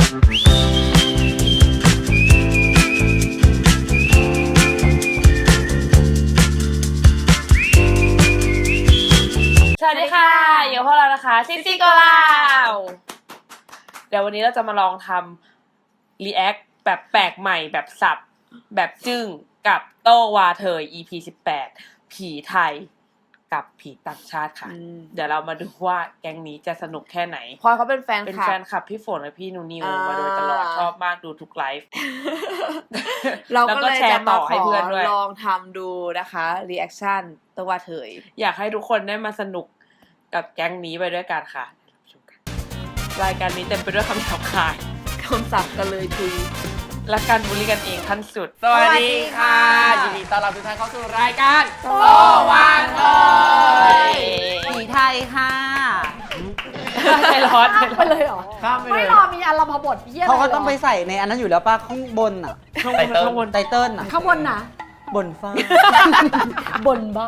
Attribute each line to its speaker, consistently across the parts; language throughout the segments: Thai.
Speaker 1: สวัสดีค่ะอยู่พวกเรานะคะซินซี่ก็ลาวเดี๋ยววันนี้เราจะมาลองทำรีแอคแบบแปลกใหม่แบบสับแบบจึ้งกับโต้วาเธอ EP 18ผีไทยกับผีต่างชาติค่ะเดี๋ยวเรามาดูว่าแก๊งนี้จะสนุกแค่ไหน
Speaker 2: พลอยเขาเป็นแฟน
Speaker 1: เป็น
Speaker 2: คลั
Speaker 1: แฟ
Speaker 2: บ
Speaker 1: นคลับพี่ฝนและพี่นูนิวมาโดยตลอดชอบมากดูทุกไลฟ์
Speaker 2: เราก็เลยจะมาขอ
Speaker 1: เพื่อนด้วย
Speaker 2: ลองทำดูนะคะรีแอคชั่นตัวว่าเถย
Speaker 1: อยากให้ทุกคนได้มาสนุกกับแก๊งนี้ไปด้วยกันค่ะรายการนี้เต็มไปด้วยคำหยาบคาย
Speaker 2: คำศัพท์กันเลยทุย
Speaker 1: และการบูลลี่กันเองขั้นสุด
Speaker 3: สวัสดีค่ะยินดีต้อนรับทุกท่านเข้าสู่รายการโตวันเลย
Speaker 2: ผีไทยค่ะ
Speaker 1: ใจร้อน
Speaker 4: ไปเลยเหรอ
Speaker 3: ข้ามไป
Speaker 4: ไม่
Speaker 3: เลย
Speaker 4: รอมีอารมพบทเยี่ย
Speaker 5: เขาก็ต้องไปใส่ในอันนั้นอยู่แล้วป่ะข้างบนอ่ะ
Speaker 1: ข้างบน
Speaker 5: ไตเติ้ลอ่ะ
Speaker 4: ข้างบนนะ
Speaker 5: บนฟ้า
Speaker 4: บนบ้าน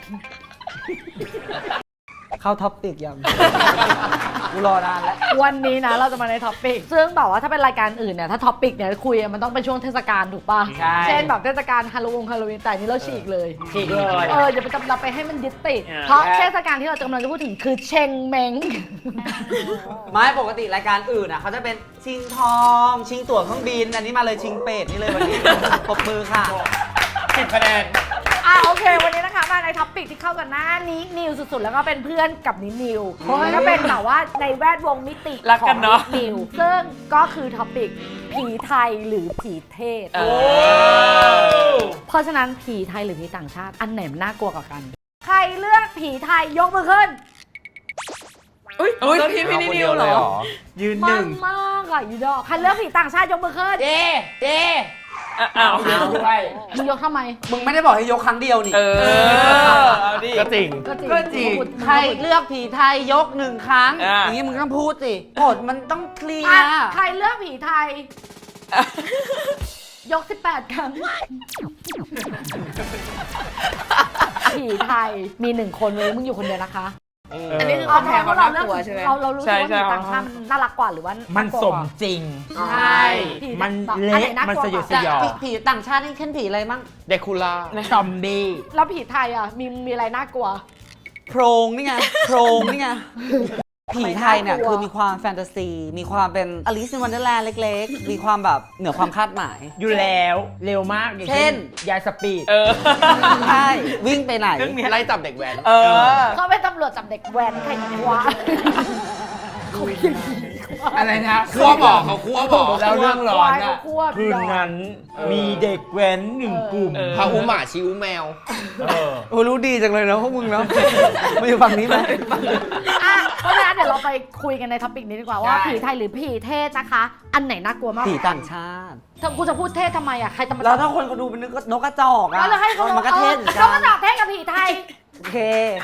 Speaker 5: เข้าท็อปปิกยังกูรอนานแล้ว
Speaker 4: วันนี้นะเราจะมาในท็อปปิกซึ่งแบบว่าถ้าเป็นรายการอื่นเนี่ยถ้าท็อปปิกเนี่ยคุยมันต้องเป็นช่วงเทศกาลถูกป่ะ
Speaker 3: ใช่
Speaker 4: เช่นแบบเทศกาลฮาโลวีนแต่อันนี้เราฉีกเลย
Speaker 3: ฉีกเลย
Speaker 4: อย่าไปจำเราไปให้มันยึดติด
Speaker 1: อ่า
Speaker 4: เพราะเทศกาลที่เรากำลังจะพูดถึงคือเชงเม้ง
Speaker 5: ไม่ปกติรายการอื่นอ่ะเขาจะเป็นชิงทอง ชิงตั๋วเครื่องบิน อันนี้มาเลยชิงเป็ดนี่เลยวันนี้ ปรบมือค่ะ
Speaker 3: 10 คะแนน
Speaker 4: โอเค วันนี้นะคะมาในท็อปปิกที่เข้ากันหน้านี้นิวสุดๆ แล้วก็เป็นเพื่อนกับนิวเพราะมันก็เป็นแบบว่าในแวดวงมิติ
Speaker 1: รัก
Speaker 4: ขอ
Speaker 1: กั
Speaker 4: ง
Speaker 1: นเนอะ
Speaker 4: นิวซึ่งก็คือท็อปปิกผีไทยหรือผีเทศ เพราะฉะนั้นผีไทยหรือผีต่างชาติอันไหนมันน่ากลัวกว่ากัน ใครเลือกผีไทยยกมือขึ้น
Speaker 2: อุ้ยพี่นิวเหรอ
Speaker 3: ยืนห
Speaker 4: มั
Speaker 3: นึ่
Speaker 4: น
Speaker 3: ง
Speaker 4: มากอ่ะยูดอกใครเลือกผีต่างชาติยกมือขึ้น
Speaker 2: เจ๊
Speaker 1: อ้าว
Speaker 3: ด้วย
Speaker 4: มึงยกทำไม
Speaker 5: มึงไม่ได้บอกให้ยกครั้งเดียวนี่
Speaker 1: เอาดิ
Speaker 3: ก็จริง
Speaker 4: ก็จริง
Speaker 3: ก็จริง
Speaker 4: พูด
Speaker 5: ใครเลือกผีไทยยกหนึ่งครั้ง
Speaker 1: อ่ะ
Speaker 5: อย่างนี้มึงต้องพูดสิกฎมันต้องเคลีย
Speaker 4: อ่ะ
Speaker 5: ร์
Speaker 4: ใครเลือกผีไทย ยก 18 ครั้ง ผีไทยมี1 คนเลยมึงอยู่คนเดียวนะคะ
Speaker 2: อันนี้คือ
Speaker 4: เอา
Speaker 2: คำ
Speaker 4: แท
Speaker 2: แพ้
Speaker 4: น
Speaker 2: เขา
Speaker 4: ว่า
Speaker 2: น่า
Speaker 4: เราเลือก
Speaker 2: กลัวใช่ไหม
Speaker 4: เรารู้สึกว่าผีต่างชาติมันน่ารักกว่าหรือว่า
Speaker 3: มั
Speaker 4: มัน
Speaker 3: สมจริง
Speaker 4: ใช่
Speaker 3: มันเละมันสยดสยอง
Speaker 5: ผีต่างชาตินี่ขึ้นผีอะไรมั่ง
Speaker 3: เดคูล่าซอมบี้
Speaker 4: แล้วผีไทยอ่ะมีอะไรน่ากลัว
Speaker 5: โพรงนี่ไง โพรงนี่ไง ผีไทยเนี่ย
Speaker 4: ไม่น่ากลัว
Speaker 5: คือมีความแฟนตาซี มีความเป็นอลิซในวันเดอร์แลนด์เล็กๆ มีความแบบเหนือความคาดหมาย
Speaker 3: อยู่แล้วเร็วมากอย่าง
Speaker 5: เช่น
Speaker 3: ยายสปีด
Speaker 5: ใช่ วิ่งไปไหน
Speaker 3: ไล่จับเด็กแว้น
Speaker 4: เขาเป็นตำรวจจับเด็กแว้นใครวะเขาเป็นอย่างนี้วะ
Speaker 3: อะไรนะคั่วบอกเขาคั่วบอกแล้วเรื่องร้อน
Speaker 4: เขา
Speaker 3: อ่ะ
Speaker 4: ควบ
Speaker 3: คืนนั้นมีเด็กแว้น1 กลุ่ม
Speaker 6: พาอุหมาชิวแมว
Speaker 5: โอ้รู้ดีจังเลยนะพวกมึงเนาะ มาอยู่ฝั่งนี้ไหม
Speaker 4: อ่ะเพราะฉะนั้นเดี๋ยวเราไปคุยกันในท็อปิกนี้ดีกว่าว่า
Speaker 3: ได้
Speaker 4: ผีไทยหรือผีเทศนะคะ อันไหนน่ากลัวมาก
Speaker 5: ผีต่างชาติ
Speaker 4: ถ้ากูจะพูดเทศทำไมอ่ะใครจะมา
Speaker 5: แล้วถ้าคนเขาดูเป็นนกกระจอกอะ
Speaker 4: แล้วเราให้เขา
Speaker 5: มันก็เทศเหมือน
Speaker 4: เขา
Speaker 5: กั
Speaker 4: ก็
Speaker 5: น
Speaker 4: จะเทศกับผีไทย
Speaker 5: โอเค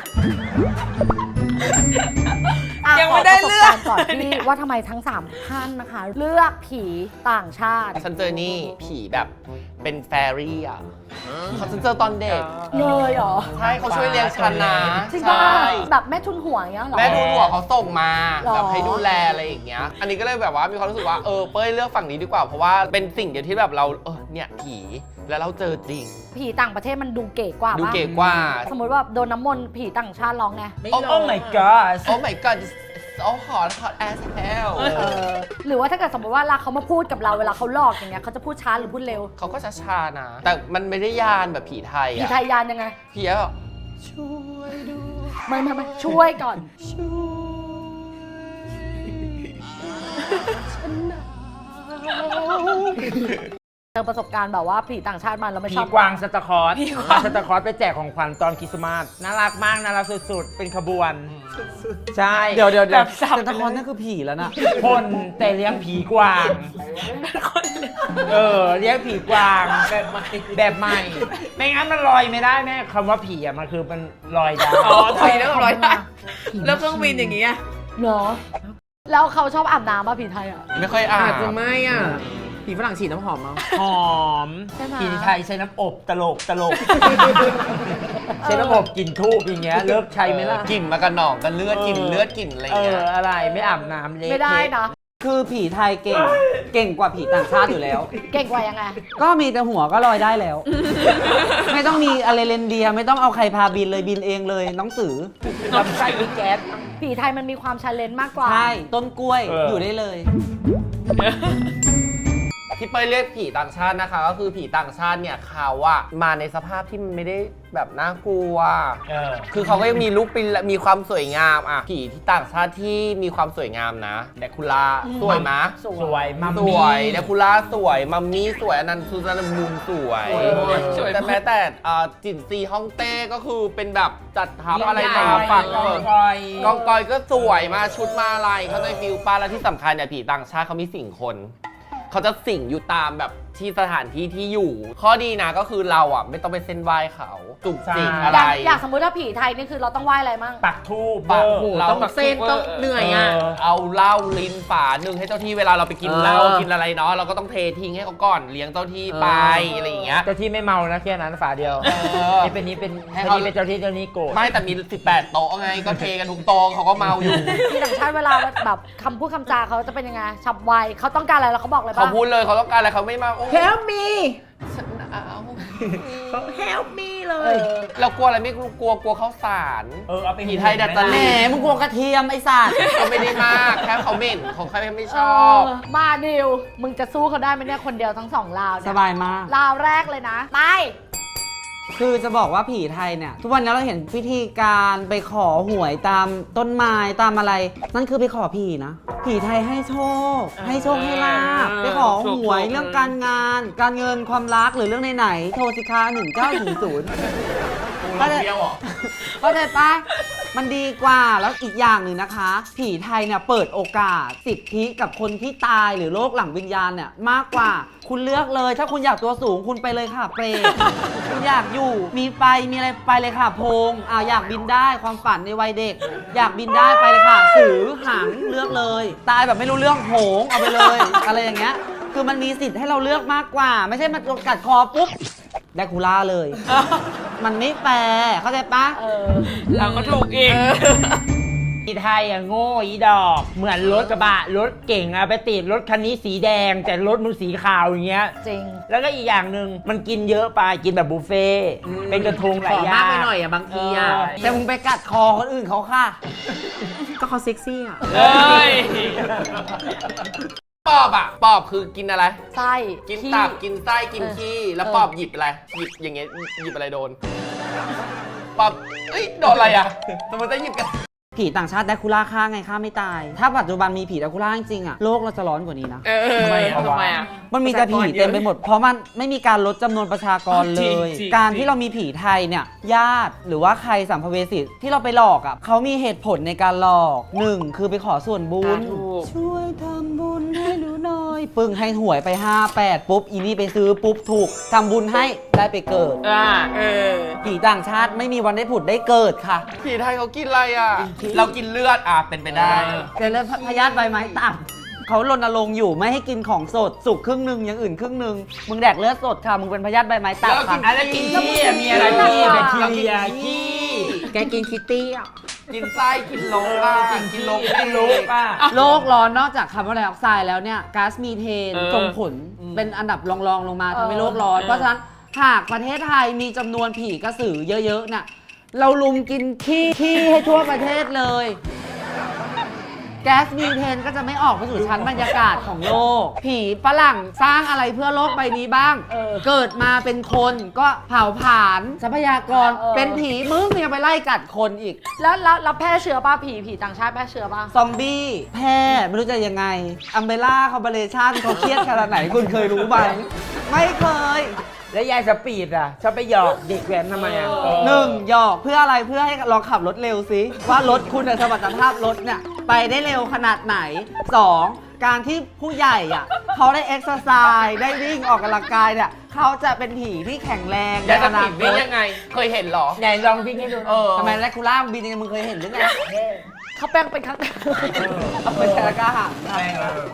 Speaker 2: ยังไม่ได้เลือก
Speaker 4: ขประสบารณ์ก่อนที่ว่าทำไมทั้ง3ท่านนะคะ เลือกผีต่างชาติ
Speaker 6: ฉันเจอนี่ผีแบบเป็นแฟรี่อ่ะฉันเจอตอนเด็ก
Speaker 4: เลยเหรอ
Speaker 6: ใช่เขาช่วยเลี้ยงฉันนะ
Speaker 4: จริงป่ะ
Speaker 6: ใช่
Speaker 4: แบบแม่ทุนหัวอย่างเงี้ยเหรอ
Speaker 6: แม่ดูหัวเขาส่งมา
Speaker 4: หรอ
Speaker 6: แบบให้ดูแลอะไรอย่างเงี้ย อันนี้ก็เลยแบบว่ามีความรู้สึกว่าเป้ยเลือกฝั่งนี้ดีกว่าเพราะว่าเป็นสิ่งเดียวที่แบบเราเนี่ยผีแล้วเราเจอจริง
Speaker 4: ผีต่างประเทศมันดูเก๋กว่า
Speaker 6: ดู
Speaker 4: ปะ
Speaker 6: เก๋กว่า
Speaker 4: สมมติว่าโดนน้ำมนต์ผีต่างชาติร้องไง
Speaker 3: โอ้ my god
Speaker 6: โอ้ my god oh hot as hell
Speaker 4: หรือว่าถ้าเกิดสมมติว่าเขามาพูดกับเราเวลาเขาหลอกอย่างเงี้ยเขาจะพูดช้าหรือพูดเร็ว
Speaker 6: เขาก็ช้าๆนะ แต่มันไม่ได้ยานแบบผีไทย
Speaker 4: ผี
Speaker 6: อะ
Speaker 4: ไทยยานยังไง
Speaker 6: ผีแบบช่วยดู
Speaker 4: ไม่ช่วยก่อน เจอประสบการณ์แบบว่าผีต่างชาติมาแล้วไม่
Speaker 3: ผี
Speaker 4: ชอบ
Speaker 3: กวางสตาร์คอร์สสตาร์คอร์สไปแจกของขวัญตอนคริสต์มาสน่ารักมากน่ารักสุดๆ เป็นขบวน ใช่
Speaker 5: เดี๋ยว
Speaker 1: แบบสับ
Speaker 5: เซนตาคอนนั่นคือผีแล้วนะ
Speaker 3: คนแต่เลี้ยงผีกวาง เลี้ยงผีกวางแบบใหม่ ไม่งั้นมันลอยไม่ได้แม่คำว่าผีอะมันคือมันลอยได้
Speaker 2: ผีแล้วก็ร้อยได้แล้วเครื่องบินอย่างเงี้ย
Speaker 4: เหรอ แล้วเขาชอบอาบน้ำป่ะผีไทยอ่ะ
Speaker 6: ไม่ค่อยอ่าน
Speaker 2: อาจจะไม่อ่ะ ผีฝรั่งฉีดน้ำหอมเอา
Speaker 3: หอม
Speaker 4: ใช่ไหม
Speaker 3: ผีไทยใช้น้ำอบตลกใช้น้ำอบกลิ่นทูบอย่างเงี้ยเลิกใช้ไหมล่ะ
Speaker 6: กลิ่นมากระหน่องกันเลือดกลิ่นเลือดกลิ่นอะไรอย่างเงี้ย
Speaker 3: อะไรไม่อาบน้ำเละ
Speaker 4: ไม่ได้นะ
Speaker 5: คือผีไทยเก่งกว่าผีต่างชาติอยู่แล้ว
Speaker 4: เก่งกว่ายังไง
Speaker 5: ก็มีแต่หัวก็ลอยได้แล้ว ไม่ต้องมีอะไรเรนเดียร์ไม่ต้องเอาใครพาบินเลยบินเองเลยน้องสือ
Speaker 3: ลำไส้มีแก๊ส
Speaker 4: ผีไทยมันมีความชาเลนจ์มากกว่า
Speaker 5: ใช่ต้นกล้วย
Speaker 3: เออ
Speaker 5: อ
Speaker 3: อ
Speaker 5: ยู่ได้เลย
Speaker 6: ที่เป้ยเรียกผีต่างชาตินะคะ ก็คือผีต่างชาติเนี่ยเขาอะมาในสภาพที่มันไม่ได้แบบน่ากลัว คือเขาก็ยังมีลุคเป็นมีความสวยงามอะผีที่ต่างชาติที่มีความสวยงามนะแดคูล่าสวยมะ
Speaker 3: สวยมัม
Speaker 6: ส
Speaker 3: มี่
Speaker 6: วยแดคูล่าสวยมัมมี่สวยอนันต์ซูซานมูนสวยแต่แม้แต่จินซีฮ่องเต้ก็คือเป็นแบบจัดทัพอะไรมาฝั่ง
Speaker 3: กองกอย
Speaker 6: กองกอยก็สวยมาชุดมาอะไรเขาใจฟิลป้าแล้วที่สำคัญเนี่ยผีต่างชาติเขามีสิ่งคน เขาจะสิ่งอยู่ตามแบบที่สถานที่ที่อยู่ ข้อดีนะก็คือเราอ่ะไม่ต้องไปเส้นไหว้เขาจุกจิกอะไร
Speaker 4: อย่างสมมุติถ้าผีไทยนี่คือเราต้องไหว้อะไรมั่ง
Speaker 3: ปักทูบ
Speaker 6: ปัก
Speaker 3: เรา
Speaker 6: ต้องเส้นต้องเหนื่อยอ่ะเอาเหล้าลิ้นฝาหนึ่งให้เจ้าที่เวลาเราไปกินเหล้ากินอะไรเนาะเราก็ต้องเททิ้งให้เขาก่อนเลี้ยงเจ้าที่ไปอะไรอย่างเงี้ย
Speaker 3: เจ้าที่ไม่เมานะแค่นั้นฝาเดียว นี่เป็นนี้เป็น
Speaker 6: ให้
Speaker 3: ให้
Speaker 6: เขา
Speaker 3: นี้เป็นเจ้าที่เจ้านี้โกรธ
Speaker 6: ไม่แต่มี 18 โต๊ะไงก็เทกันทุกโต๊ะเขาก็เมาอยู่
Speaker 4: ที่ต่างชาติเวลาแบบคำพูดคำจาเขาจะเป็นยังไงฉับไวเขาต้องการอะไรแล้วเขาบอกเลย
Speaker 6: เขา
Speaker 4: ป่ะ
Speaker 6: พูดเลยเขาต้องการอะไรเขาไม่มาโอ้
Speaker 3: Help me
Speaker 6: ฉันเอา
Speaker 3: Help me เลย
Speaker 6: เรากลัวอะไรไม่กลัวข้าวสาร
Speaker 3: เอาไป
Speaker 6: ผีไทยดัดจ
Speaker 5: แหม
Speaker 6: ริต
Speaker 5: มึงกลัวกระเทียมไอ้สัตว์
Speaker 6: ก็ไม่ได้มากแค่เขาเหม็นของใครไม่ช
Speaker 4: เอ
Speaker 6: อบ
Speaker 4: มาดิวมึงจะสู้เขาได้ไหมเนี่ยคนเดียวทั้งสองลาวเนี่
Speaker 5: สบายมาก
Speaker 4: ลาวแรกเลยนะไป
Speaker 5: คือจะบอกว่าผีไทยเนี่ย ทุกวันนี้เราเห็นพิธีการไปขอหวยตามต้นไม้ตามอะไร นั่นคือไปขอผีนะ ผีไทยให้โชค ให้โชคให้ลาบไปขอหวยเรื่องการงาน การเงินความรักหรือเรื่องไหนๆโทรสิคะ1900เข้าใจเข้าใจปะมันดีกว่าแล้วอีกอย่างหนึ่งนะคะ ผีไทยเนี่ยเปิดโอกาสสิทธิกับคนที่ตายหรือโลกหลังวิญญาณเนี่ยมากกว่าคุณเลือกเลย ถ้าคุณอยากตัวสูงคุณไปเลยค่ะเปรต คุณอยากอยู่มีไฟมีอะไรไปเลยค่ะโพงอยากบินได้ความฝันในวัยเด็ก อยากบินได้ไปเลยค่ะสือหางเลือกเลย ตายแบบไม่รู้เรื่องโหงเอาไปเลย อะไรอย่างเงี้ยคือมันมีสิทธิ์ให้เราเลือกมากกว่า ไม่ใช่มากัดคอปุ๊บแดคูล่าเลย มันไม่แฟร์เข้าใจปะ
Speaker 1: เราก็ถูกอีก
Speaker 3: อีไทยอ่ะโง่อีดอก เหมือนรถกระบะรถเก่งอะไปติดรถคันนี้สีแดง แต่รถมึงสีขาวอย่างเงี้ย
Speaker 4: จริง
Speaker 3: แล้วก็อีกอย่างหนึ่งมันกินเยอะไปกินแบบบุฟเฟ่ต์เป็นกระทงหลายอย่าง
Speaker 5: มากไปหน่อยอ่ะบางทีอ่ะแต่มึงไปกัดคอคนอื่นเขาค่ะ ก็เขาเซ็กซี่อ่ะ
Speaker 1: เอ้ย
Speaker 6: ปอบอะปอบคือกินอะไร
Speaker 4: ไส้
Speaker 6: กิน
Speaker 4: ขี้
Speaker 6: ตับกินไส้กิน
Speaker 4: เออ
Speaker 6: ขี้แล้ว
Speaker 4: เออ
Speaker 6: ปอบหยิบอะไรหยิบอย่างเงี้ยหยิบอะไรโดนปอบเอ้ยโดนอะไรอะสมมติจะหยิบกัน
Speaker 5: ผีต่างชาติแดคูล่าฆ่าไงฆ่าไม่ตาย ถ้าปัจจุบันมีผีแดคูล่าจริงๆอะโลกเราจะร้อนกว่านี้นะ
Speaker 1: ทำไมอ่ะ
Speaker 5: มันมีแต่ผีเต็มไปหมด เพราะมันไม่มีการลดจำนวนประชากรเล
Speaker 1: จริ
Speaker 5: ย
Speaker 1: งจริง
Speaker 5: การที่เรามีผีไทยเนี่ย ญาติหรือว่าใครสัมภเวสีที่เราไปหลอกอ่ะเขามีเหตุผลในการหลอก 1 คือไปขอส่วนบุญ
Speaker 1: ถูก
Speaker 5: ช่วยทำบุญให้หนูหน่อย ปึ้งให้หวยไป 58 ปุ๊บ อีนี่ไปซื้อปุ๊บถูกทำบุญให้ได้ไปเกิด ผีต่างชาติไม่มีวันได้ผุดได้เกิดค่ะ
Speaker 6: ผีไทยเขากินอะไรอะเรากินเลือดอะเป็นไปได้
Speaker 5: แต่เลือดพยาธิใบไม้ต่ำเขารณรงค์อยู่ไม่ให้กินของสดสุกครึ่งหนึงอย่างอื่นครึ่งหนึงมึงแดกเลือดสดค่ะมึงเป็นพยาธิใบไม้
Speaker 6: แล้ว
Speaker 5: ต่ำ
Speaker 6: กิ
Speaker 5: ค่ะ
Speaker 6: น
Speaker 3: อะไรกินขี้อะมีอะไรขี้แบคทีเรียขี้
Speaker 5: แกกินคิตตี้อ่ะ
Speaker 6: กินไส้กินลกอะกินลก
Speaker 3: ไม่รู้ป่ะ
Speaker 5: โลกร้อนนอกจากคาร์บอนไดออกไซด์แล้วเนี่ยก๊าซมีเทน
Speaker 1: เออ
Speaker 5: ส่งผลเป็นอันดับรองๆลงมาทำให้โลกร้อน เพราะฉะนั้นหากประเทศไทยมีจำนวนผีกระสือเยอะๆเนี่ยเราลุมกินขี้ให้ทั่วประเทศเลย แก๊สมีเทนก็จะไม่ออกไปสู่ชั้นบรรยากาศของโลก ผีฝรั่งสร้างอะไรเพื่อโลกใบนี้บ้าง เกิดมาเป็นคนก็เผาผลาญทรัพยากร เป็นผีมึงยังไปไล่กัดคนอีก
Speaker 4: แล้วแพร่เชื้อป่ะผีต่างชาติแพร่เชื้อป่ะ
Speaker 5: ซอมบี้แพร่ไม่รู้จะยังไงอัมเบล่าคอมเบเลชันเขาเครียดขนาดไหนคุณเคยรู้ไหมไม่เคย
Speaker 3: แล้วยายสปีดอ่ะชอบไปหยอกเด็กแว้นทำไมอ่ะ
Speaker 5: 1. หยอกเพื่ออะไรเพื่อให้ลองขับรถเร็วสิว่ารถคุณสมรรถภาพรถเนี่ยไปได้เร็วขนาดไหน 2. การที่ผู้ใหญ่อ่ะเขาได้เอ็กซ์ไซส์ได้วิ่งออกกำลังกายเนี่ยเขาจะเป็นผีที่แข็งแรง
Speaker 6: ยายจะ
Speaker 5: ในอนา
Speaker 6: ผิด
Speaker 5: ค
Speaker 6: วิ่ง
Speaker 5: ต
Speaker 6: ยังไง เคยเห็นเหรอ
Speaker 3: ไหนลองวิ่งให้ดู
Speaker 5: ทำไมแรคคูล่าบินยังไงมึงเคยเห็นหรือไง
Speaker 4: เขาแป้งเป็นครั้ง
Speaker 5: เอาไปแชร์กล้าหา
Speaker 4: ได้มันบอก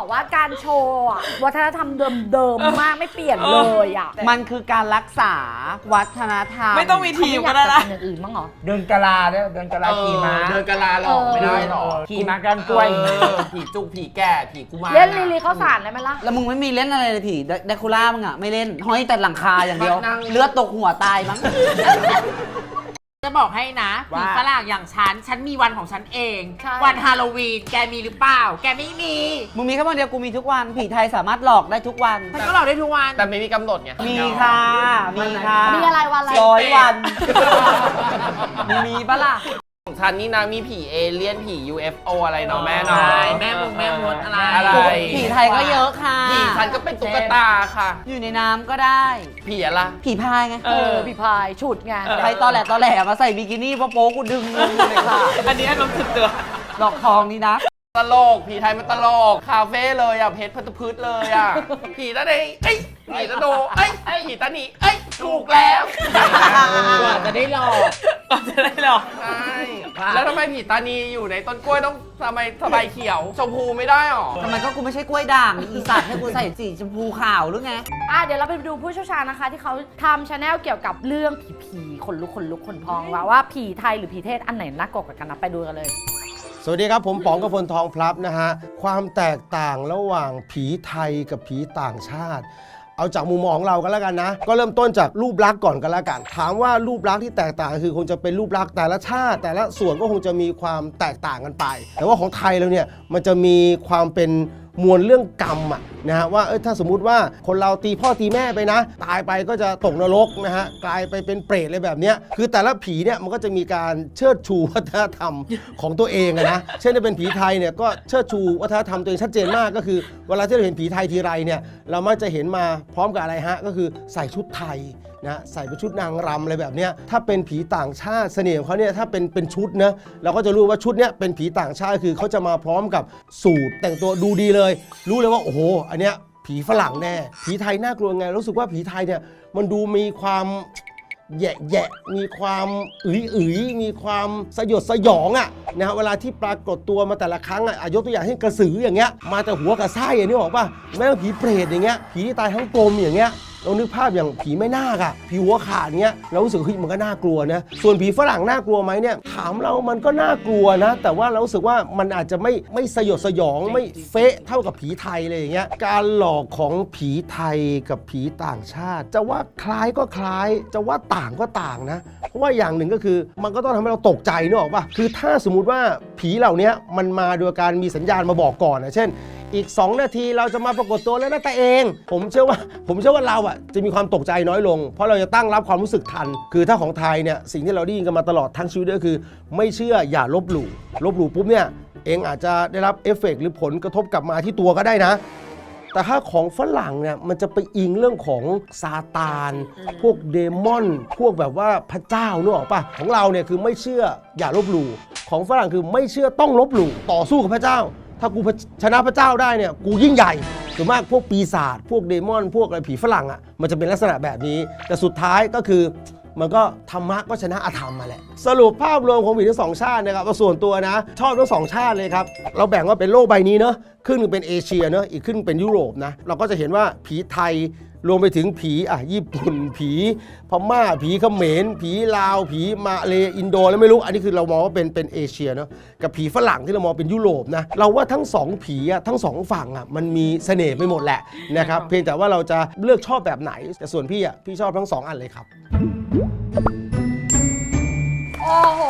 Speaker 4: บอกว่าการโชว์อะวัฒนธรรมเดิมๆมากไม่เปลี่ยนเลยอ่ะ
Speaker 5: มันคือการรักษาวัฒนธรรม
Speaker 2: ไม่ต้องมีทีม
Speaker 4: เขา
Speaker 2: ก็
Speaker 4: ไม่อยา
Speaker 2: ได้
Speaker 4: กจะ
Speaker 2: นะ
Speaker 4: ทำอย่างอื่นบ้างเหรอ
Speaker 3: เดินกะลาด้วยเดินกะลาขี่ม้า
Speaker 6: เดินกะลาหรอกไม่ได้หรอก
Speaker 3: ขี่ม้ากันกล้วย
Speaker 6: ผีจุกผีแก่ผีกุมาร
Speaker 4: เล่นลีลีข้าวสารได้ไหมล่ะ
Speaker 5: แล้วมึงไม่มีเล่นอะไรเลยผีเดคูล่ามึงอะไม่เล่นห้อยแต่หลังคาอย่างเดียว เลือดตกหัวตายมั้ง
Speaker 7: จะบอกให้นะผี
Speaker 3: ว่า
Speaker 7: ฝรั่งอย่างฉันมีวันของฉันเอง
Speaker 4: ใช่
Speaker 7: วันฮาโลวีน แกมีหรือเปล่า แกไม่มี
Speaker 5: มึงมีแค่วันเดียวกูมีทุกวัน ผีไทยสามารถหลอกได้ทุกวัน
Speaker 7: ฉันก็หลอกได้ทุกวัน
Speaker 6: แต่ไม่มีกำหนดไง
Speaker 5: มีค่ะ มีค่ะ
Speaker 4: มีอะไรวันอะไร
Speaker 5: 100 วัน มีปะล่ะ
Speaker 6: ของฉันนี่นะมีผีเอเลี่ยนผี UFO อะไรเนาะแม่เนาะ
Speaker 7: ใช่แม่มดอะไร
Speaker 6: อะไร
Speaker 5: ผีไทยก็เยอะค่ะ
Speaker 6: ผีฉันก็เป็นตุ๊กตาค่ะ
Speaker 5: อยู่ในน้ำก็ได้
Speaker 6: ผีอะไร
Speaker 5: ผีพายไง
Speaker 4: พี่พายฉุดไง
Speaker 5: ใครตอแหลมาใส่บิกินี่โป๊ะๆกูดึงมึงเลยค่ะ
Speaker 1: อันนี้น้ำสุดตัว
Speaker 5: ดอกทองนี่นะ
Speaker 6: ตลกผีไทยมันตลกคาเฟ่เลยอ่ะเพชรพันธพืชเลยอ่ะผีตาเดงเอ้ยผีตาโดเอ้ยผีตาหนีเอ้ยถูกแล้ว
Speaker 7: กว่าจะได้หลอก
Speaker 1: จะได้หรอ
Speaker 6: ใช่แล้วทำไมผีตานีอยู่ในต้นกล้วยต้องทำไมสบายเขียวชมพูไม่ได้หรอ
Speaker 5: ทำไมก็กูไม่ใช่กล้วยด่างอีสัตว์ให้กูใส่สีชมพูขาวหรือไง
Speaker 4: เดี๋ยวเราไปดูผู้เชี่ยวชาญนะคะ ที่เขาทำชาแนลเกี่ยวกับเรื่องผีๆขนลุกขนพองว่าผีไทยหรือผีเทศอันไหนน่ากลัวกว่ากันนะไปดูกันเลย
Speaker 8: สวัสดีครับ ผมป๋องกพลทองพลับนะฮะ ความแตกต่างระหว่างผีไทยกับผีต่างชาติ เอาจากมุมมองของเรากันแล้วกันนะ ก็เริ่มต้นจากรูปลักษณ์ก่อนกันแล้วกัน ถามว่ารูปลักษณ์ที่แตกต่างคือคงจะเป็นรูปลักษณ์แต่ละชาติ แต่ละส่วนก็คงจะมีความแตกต่างกันไป แต่ว่าของไทยเราเนี่ยมันจะมีความเป็นมวลเรื่องกรรมอะนะฮะว่าถ้าสมมุติว่าคนเราตีพ่อตีแม่ไปนะ ตายไปก็จะตกนรกนะฮะกลายไปเป็นเปรตอะไรแบบเนี้ยคือแต่ละผีเนี่ยมันก็จะมีการเชิดชูวัฒนธรรมของตัวเองอะนะเช่นถ้าเป็นผีไทยเนี่ยก็เชิดชูวัฒนธรรมตัวเองชัดเจนมากก็คือเวลาที่เราเห็นผีไทยทีไรเนี่ยเรามักจะเห็นมาพร้อมกับอะไรฮะก็คือใส่ชุดไทยนะใส่เป็นชุดนางรำอะไรแบบเนี้ยถ้าเป็นผีต่างชาติเสน่ห์ของเขาเนี่ยถ้าเป็นชุดนะเราก็จะรู้ว่าชุดเนี้ยเป็นผีต่างชาติคือเขาจะมาพร้อมกับสูทแต่งตัวดูดีเลย รู้เลยว่าโอ้โหอันเนี้ยผีฝรั่งแน่ผีไทยน่ากลัวไงรู้สึกว่าผีไทยเนี่ยมันดูมีความแยะมีความมีความสยดสยองอะนะฮะเวลาที่ปรากฏตัวมาแต่ละครั้งอะยกตัวอย่างเช่นกระสืออย่างเงี้ยมาแต่หัวกับไส้อย่างนี้บอกป่ะแม้กระทั่งผีเปรตอย่างเงี้ยผีที่ตายทั้งกลมอย่างเงี้ยเรานึกภาพอย่างผีแม่นาคอะผีหัวขาดเงี้ยเรารู้สึกเฮ้ยมันก็น่ากลัวนะส่วนผีฝรั่งน่ากลัวไหมเนี่ยถามเรามันก็น่ากลัวนะแต่ว่าเรารู้สึกว่ามันอาจจะไม่สยดสยองไม่เฟะเท่ากับผีไทยเลยอย่างเงี้ยการหลอกของผีไทยกับผีต่างชาติ จะว่าคล้ายก็คล้ายจะว่าต่างก็ต่างนะเพราะว่าอย่างหนึ่งก็คือมันก็ต้องทำให้เราตกใจนึกออกป่ะคือถ้าสมมุติว่าผีเหล่านี้มันมาโดยการมีสัญญาณมาบอกก่อนนะเช่นอีก2 นาทีเราจะมาปรากฏตัวแล้วนะแต่เองผมเชื่อว่าเราอ่ะจะมีความตกใจน้อยลงเพราะเราจะตั้งรับความรู้สึกทันคือถ้าของไทยเนี่ยสิ่งที่เราได้ยินกันมาตลอดทั้งชีวิตก็คือไม่เชื่ออย่าลบหลู่ปุ๊บเนี่ยเองอาจจะได้รับเอฟเฟกต์หรือผลกระทบกลับมาที่ตัวก็ได้นะแต่ถ้าของฝรั่งเนี่ยมันจะไปอิงเรื่องของซาตานพวกเดมอนพวกแบบว่าพระเจ้านึกออกป่ะของเราเนี่ยคือไม่เชื่ออย่าลบหลู่ของฝรั่งคือไม่เชื่อต้องลบหลู่ต่อสู้กับพระเจ้าถ้ากูชนะพระเจ้าได้เนี่ยกูยิ่งใหญ่ส่วนมากพวกปีศาจพวกเดมอนพวกอะไรผีฝรั่งอ่ะมันจะเป็นลักษณะแบบนี้แต่สุดท้ายก็คือมันก็ธรรมะก็ชนะอธรรมมาแหละสรุปภาพรวมของผีทั้ง2 ชาตินะครับส่วนตัวนะชอบทั้ง2 ชาติเลยครับเราแบ่งว่าเป็นโลกใบนี้เนอะครึ่งนึงเป็นเอเชียเนอะอีกครึ่งเป็นยุโรปนะเราก็จะเห็นว่าผีไทยรวมไปถึงผีญี่ปุ่นผีพม่าผีเขมรผีลาวผีมาเลอินโดแล้วไม่รู้อันนี้คือเรามองว่าเป็นเอเชียเนาะกับผีฝรั่งที่เรามองเป็นยุโรปนะเราว่าทั้ง2 ผีทั้ง2 ฝั่งมันมีเสน่ห์ไปหมดแหละนะครับเพียงแต่ว่าเราจะเลือกชอบแบบไหนแต่ส่วนพี่ชอบทั้ง2 อันเลยครับ
Speaker 4: โอ้โห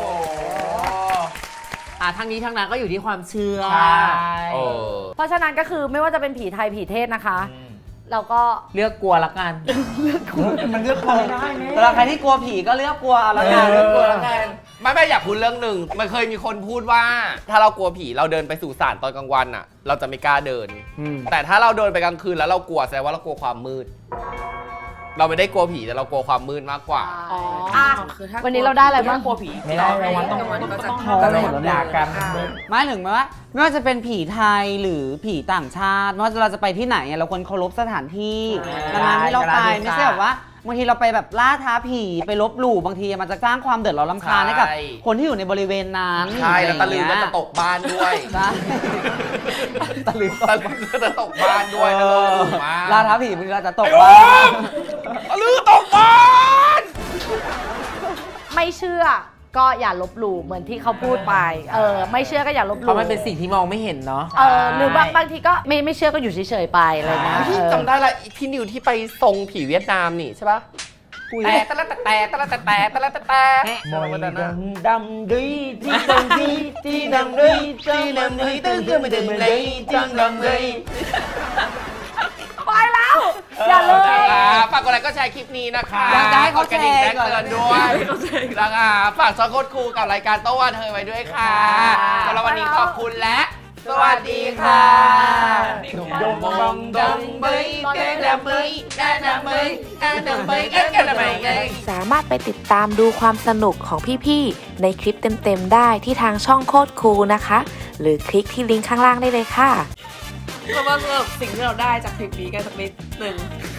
Speaker 7: ทั้งนี้ทั้งนั้นก็อยู่ที่ความเชื่อ
Speaker 4: เพราะฉะนั้นก็คือไม่ว่าจะเป็นผีไทยผีเทศนะคะ เราก็
Speaker 7: เลือกกลัวละกัน
Speaker 3: มันเลือกพอไม่ได้ไหม
Speaker 5: สำหรับใครที่กลัวผีก็เลือกกลัวเอาละกัน
Speaker 7: กลัวละกัน
Speaker 6: ไม่อยากพูดเรื่องหนึ่งมันเคยมีคนพูดว่า ถ้าเรากลัวผีเราเดินไปสู่ศาลตอนกลางวันอ่ะ เราจะไม่กล้าเดิน แต่ถ้าเราเดินไปกลางคืนแล้วเรากลัวแสดงว่าเรากลัวความมืด เราไม่ได้กลัวผีแต่เรากลัวความมืดมากกว่า
Speaker 2: คือถ้า
Speaker 4: วันนี้เราได้อะไรบ้าง
Speaker 2: กลัวผี
Speaker 3: ไม่ได้รางวัลต้อง
Speaker 2: รางวัลก็จะ
Speaker 3: ก็เลยด่ากัน
Speaker 5: ไม่ถึงไหมว่าไม่ว่าจะเป็นผีไทยหรือผีต่างชาติไม่ว่าเราจะไปที่ไหนเราควรเคารพสถานที่ดังนั้นที่เราไปไม่ใช่แบบว่าบางทีเราไปแบบล่าท้าผีไปลบหลู่บางทีมันจะสร้างความเดือดร้อนรำคาญให้กับ
Speaker 6: ใช่
Speaker 5: คนที่อยู่ในบริเวณนั้น
Speaker 6: ใช่แล้วตะลือก็จะตกบ้านด้วย
Speaker 5: ใช่ตะลือ
Speaker 6: ตะลือก็จะตกบ้านด้วยตะลือถูกมาก
Speaker 5: ล่าท้าผีบางทีเราจะตกบ้าน
Speaker 6: ตะลือตกบ้าน
Speaker 4: ไม่เชื่อก็อย่าลบหลู่เหมือนที่เขาพูดไปไม่เชื่อก็อย่าลบห
Speaker 7: เพ
Speaker 4: ลู่
Speaker 7: ราะมันเป็นสิ่งที่มองไม่เห็นเนาะ
Speaker 4: หรือบางทีก็ไม่เชื่อก็อยู่เฉยๆไปอะไรเงี้ย
Speaker 6: พี่จำได้ละพี่นิวที่ไปทรงผีเวียดนามนี่ใช่ปะแต่ตะละแต่ตะละแต่ตะละแต่
Speaker 3: มอยดำดุยที่ดำดุยที่ดำดุยที่ดำดุยตึ้งตึ้งไม่ได้ไม่ได้จังดำดุย
Speaker 4: ไปแล้ว อย่าเลย
Speaker 6: ฝากกดไลค์ก็แชร์คลิปนี้นะคะ
Speaker 5: อยากจะให้เขาแชร์
Speaker 6: กดกระดิ่งแจ้งเตือนด้วยนะคะฝากซอโคตรครูกับรายการโต้วันเธอไว้ด้วยค่ะสำหรับวันนี้ขอบคุณและสวัสดีค่ะ
Speaker 3: ดงบองดงเบยเต้ดำเบยได้ดำเบยได้ดำเบยเอ๊ะกันดำเบย
Speaker 9: สามารถไปติดตามดูความสนุกของพี่ๆในคลิปเต็มๆได้ที่ทางช่องโคตรคูลนะคะ หรือคลิกที่ลิงก์ข้างล่างได้เลยค่ะ
Speaker 2: เรามาสรุปสิ่งที่เราได้จากคลิปนี้กันสักนิดหนึ่ง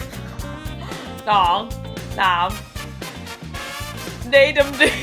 Speaker 1: 2 3ได้ดำดี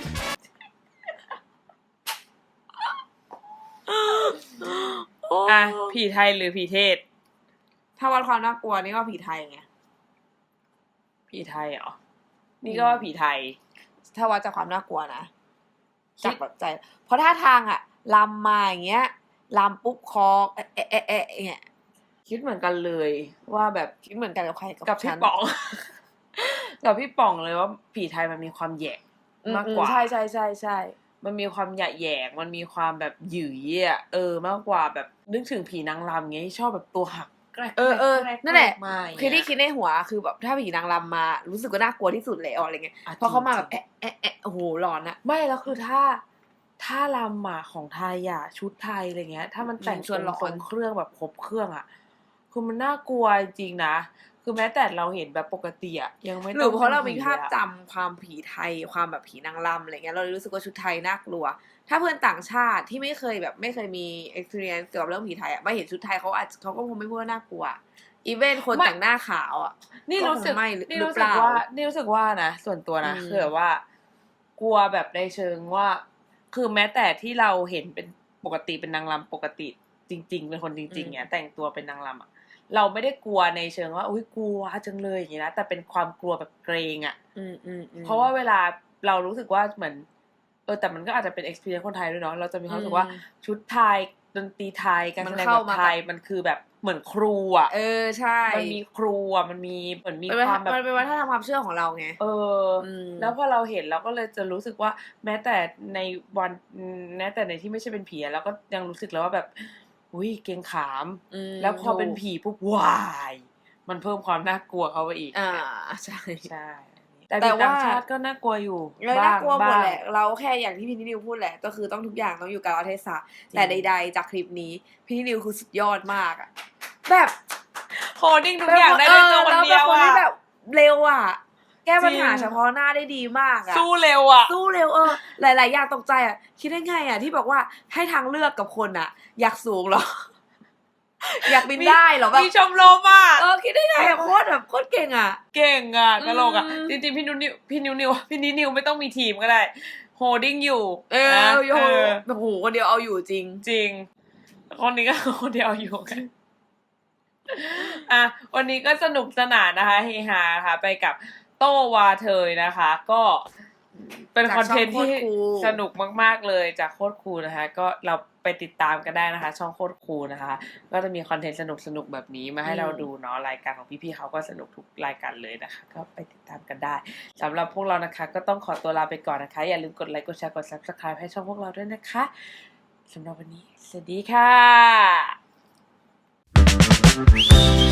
Speaker 1: อ่ะผีไทยหรือผีเทศ
Speaker 2: ถ้าวัดความน่ากลัวนี่ก็ผีไทยไง
Speaker 1: ผีไทยเหรอ นี่ก็ว่าผีไทย
Speaker 2: ถ้าวัดจากความน่ากลัวนะจากแบบใจ เพราะท่าทางอะลำมาอย่างเงี้ยลำปุ๊บคอเนี่ย
Speaker 1: คิดเหมือนกันเลยว่าแบบ
Speaker 2: คิดเหมือนกันกับใคร
Speaker 1: กับพี่
Speaker 2: ฉัน
Speaker 1: ป๋อง กับพี่ป๋องเลยว่าผีไทยมันมีความแหยกมากกว่า
Speaker 2: ใช่ใช่ใช่ใช่
Speaker 1: มันมีความหยะแหยงมันมีความแบบหยืยอ่ะมากกว่าแบบนึกถึงผีนางรำเงี้ยที่ชอบแบบตัวหักแกรก
Speaker 2: นั่นแหละ
Speaker 1: มาอย่าง
Speaker 2: คือ
Speaker 1: เงี้ย
Speaker 2: ที่คิดในหัวคือแบบถ้าผีนางรำมารู้สึกว่าน่ากลัวที่สุดแล้วอะไรเงี้ย
Speaker 1: อ่ะ
Speaker 2: เพราะเขามา
Speaker 1: จริ
Speaker 2: แบ
Speaker 1: ง
Speaker 2: บโอ้โหหลอนอะ
Speaker 1: ไม่แล้วคือถ้ารำอ่ะของไทยอ่ะชุดไทยอะไรเงี้ย ถ้ามันแต่ง
Speaker 2: ชวนหลอน
Speaker 1: ทรงเครื่องแบบครบเครื่องอ่ะคือมันน่ากลัวจริงๆนะคือแม้แต่เราเห็นแบบปกติอ่ะยังไม่
Speaker 2: ห
Speaker 1: ต้
Speaker 2: รือ อง เพราะเรามี
Speaker 1: ผี
Speaker 2: ภาพ
Speaker 1: อะ
Speaker 2: จำความผีไทยความแบบผีนางรำอะไรเงี้ยเราเลยรู้สึกว่าชุดไทยน่ากลัว ถ้าเพื่อนต่างชาติที่ไม่เคยมี experience เกี่ยวกับเรื่องผีไทยอะมาเห็นชุดไทยเขาก็คงไม่พูดว่าน่ากลัวอีเวนคนแต่งหน้าขาวอ่ะ
Speaker 1: นี่รู้สึก
Speaker 2: ก็คงไม่ห
Speaker 1: นี่
Speaker 2: รือ
Speaker 1: รู้
Speaker 2: เป
Speaker 1: สึก
Speaker 2: ล่า
Speaker 1: ว่านี่รู้สึกว่านะส่วนตัวนะ
Speaker 2: อืม
Speaker 1: คือแบบว่ากลัวแบบในเชิงว่า คือแม้แต่ที่เราเห็นเป็นปกติเป็นนางรำปกติจริง ๆ เป็นคนจริงๆเนี่ยแต่งตัวเป็นนางรำอ่ะเราไม่ได้กลัวในเชิงว่าอุ้ยกลัวจังเลยอย่างนี้นะแต่เป็นความกลัวแบบเกรงอ่ะ เพราะว่าเวลาเรารู้สึกว่าเหมือนแต่มันก็อาจจะเป็น experience คนไทยด้วยเนาะเราจะมีความรู้สึกว่าชุดไทยดนตรีไทยการแสดงแบบไทยมันคือแบบเหมือนครูอ่ะ
Speaker 2: ใช่
Speaker 1: มันมีครูอ่ะมันมีเหมือนมี
Speaker 2: มัน
Speaker 1: ความแบบ
Speaker 2: เป็นวัฒนธรรมความเชื่อของเราไง ม
Speaker 1: แล้วพอเราเห็นเราก็เลยจะรู้สึกว่าแม้แต่ในวันแม้แต่ในที่ไม่ใช่เป็นผีเราก็ยังรู้สึกแล้วว่าแบบอุ้ยเกรงขาม แล้วพอเป็นผีปุ๊บวายมันเพิ่มความน่ากลัวเข้าไปอีก
Speaker 2: ใช่
Speaker 1: ใช่แต่
Speaker 2: แต่
Speaker 1: ผี
Speaker 2: ว่า
Speaker 1: ต่างชาติก็น่ากลัวอยู่
Speaker 2: น่ากลัวหมด
Speaker 1: บ้าง
Speaker 2: แหละ เราแค่อย่างที่พี่นิวพูดแหละ ก็คือต้องทุกอย่างต้องอยู่กับเทศะแต่ใดๆจากคลิปนี้พี่นิวคือสุดยอดมากอะแบบ
Speaker 1: โคดิ้งทุกอย่างได้ในตัวคนเดียว
Speaker 2: ราเป็นคนที่
Speaker 1: อ่ะ
Speaker 2: แบบเร็วอ่ะ แก้ปัญหา
Speaker 1: จริง
Speaker 2: เฉพาะหน้าได้ดีมากอ่ะ
Speaker 1: สู้เร็วอ่ะ
Speaker 2: สู้เร็วหลายๆอย่างตกใจอ่ะคิดได้ไงอ่ะที่บอกว่าให้ทางเลือกกับคนอ่ะ อยากสูงเหรอ อยากบินได้เหรอแบบ
Speaker 1: มีชมรมอ่ะ
Speaker 2: คิดได้ไงอ่ะโคตรแบบโคตรเก่งอ่ะ
Speaker 1: เก่งอ่ะตลกอ่ะ
Speaker 2: อืม
Speaker 1: จริงๆพี่นิวไม่ต้องมีทีมก็ได้โฮดิ้งอยู่
Speaker 2: โอ้โห
Speaker 1: เออ
Speaker 2: โอ้โหคนเดียวเอาอยู่จริง
Speaker 1: จริง คนนี้ก็คนเดียวอยู่กันอ่ะวันนี้ก็สนุกสนานนะคะเฮฮาค่ะ ไปกับโต้วาเทยนะคะ ก็เป็น
Speaker 2: จาก
Speaker 1: คอนเทนต์
Speaker 2: ช่อง
Speaker 1: ที่
Speaker 2: โคตรคูล
Speaker 1: สนุกมากๆเลยจากโคตรคูลนะคะ ก็เราไปติดตามกันได้นะคะ ช่องโคตรคูลนะคะ ก็จะมีคอนเทนต์สนุกๆแบบนี้มาให้เราดูเนาะรายการของพี่ๆเขาก็สนุกทุกรายการเลยนะคะ ก็ไปติดตามกันได้สำหรับพวกเรานะคะ ก็ต้องขอตัวลาไปก่อนนะคะ อย่าลืมกดไลค์กดแชร์กด Subscribe ให้ช่องพวกเราด้วยนะคะสำหรับวันนี้สวัสดีค่ะ